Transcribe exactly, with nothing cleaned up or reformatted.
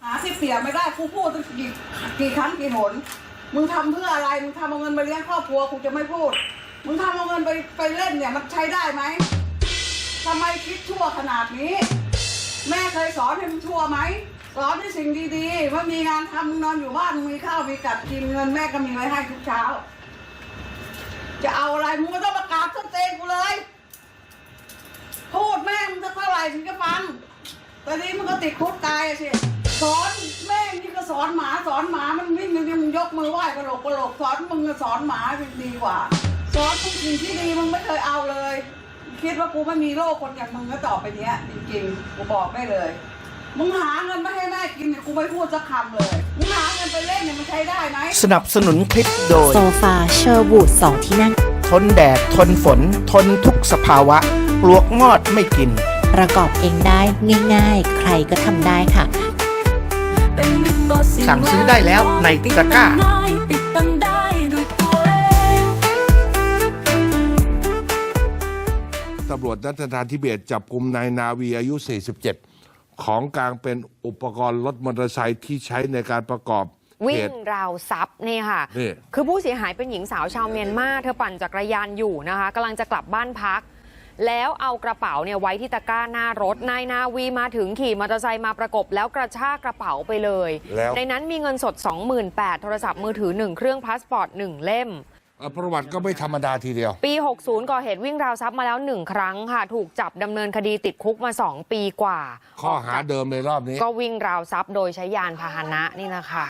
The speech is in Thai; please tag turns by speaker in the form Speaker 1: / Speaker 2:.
Speaker 1: หาที่เสียไม่ได้กูพูดตั้งกี่กี่ครั้งกี่หนมึงทำเพื่ออะไรมึงทำเอาเงินไปเลี้ยงครอบครัวกูจะไม่พูดมึงทำเอาเงินไปไปเล่นเนี่ยมันใช้ได้ไหมทำไมคิดชั่วขนาดนี้แม่เคยสอนให้มึงชั่วไหมสอนให้สิ่งดีๆว่ามีงานทำมึงนอนอยู่บ้านมึงมีข้าวมีกับกินเงินแม่ก็มีไว้ให้ทุกเช้าจะเอาอะไรมึงก็ต้องประกาศต้นเตงกูเลยพูดแม่มึงจะเท่าไหร่ถึงจะฟังตอนนี้มึงก็ติดคุกตายสิสอนแม่นี่ก็สอนหมาสอนหมามันวิ่งมึงมึงยกมือไหว้กระโหลกกระโหลกสอนมึงก็สอนหมาดีกว่าสอนทุกสิ่งที่ดีมึงไม่เคยเอาเลยคิดว่ากูไม่มีโรคคนอย่างมึงก็ต่อไปเนี้ยจริงๆกูบอกได้เลยมึงหาเงินมาให้แม่กินเนี่ยกูไม่พูดสักคำเลยมึงหาเงินไปเล่นเนี่ยมันใช้ได้ไหม
Speaker 2: สนับสนุนคลิปโดย
Speaker 3: โซฟาเชอร์วูดสองที่นั่ง
Speaker 2: ทนแดดทนฝนทนทุกสภาวะปลวกงอดไม่กิน
Speaker 3: ประกอบเองได้ง่ายๆใครก็ทำได้ค่ะ
Speaker 2: สั่งซื้อได้แล้วในตะกร้า
Speaker 4: ตำรวจนัฐทาธิเบศจับกุมนายนาวีอายุ สี่สิบเจ็ด ของกลางเป็นอุปกรณ์รถมอเตอร์ไซค์ที่ใช้ในการประกอบ
Speaker 5: วิ่งราวทรัพย์นี่ค่ะคือผู้เสียหายเป็นหญิงสาวชาวเมียนมาเธอปั่นจักรยานอยู่นะคะกำลังจะกลับบ้านพักแล้วเอากระเป๋าเนี่ยไว้ที่ตะกร้าหน้ารถนายนาวีมาถึงขี่มอเตอร์ไซค์มาประกบแล้วกระชากกระเป๋าไปเลยในนั้นมีเงินสด สองหมื่นแปดพัน โทรศัพท์มือถือหนึ่งเครื่องพาสปอร์ตหนึ่งเล่ม
Speaker 4: ประวัติก็ไม่ธรรมดาทีเดียว
Speaker 5: ปีหกสิบก่อเหตุวิ่งราวทรัพย์มาแล้วหนึ่งครั้งค่ะถูกจับดำเนินคดีติดคุกมาสองปีกว่า
Speaker 4: ข้อหาเดิมในรอบนี้
Speaker 5: ก็วิ่งราวทรัพย์โดยใช้ยานพาหนะนี่นะคะ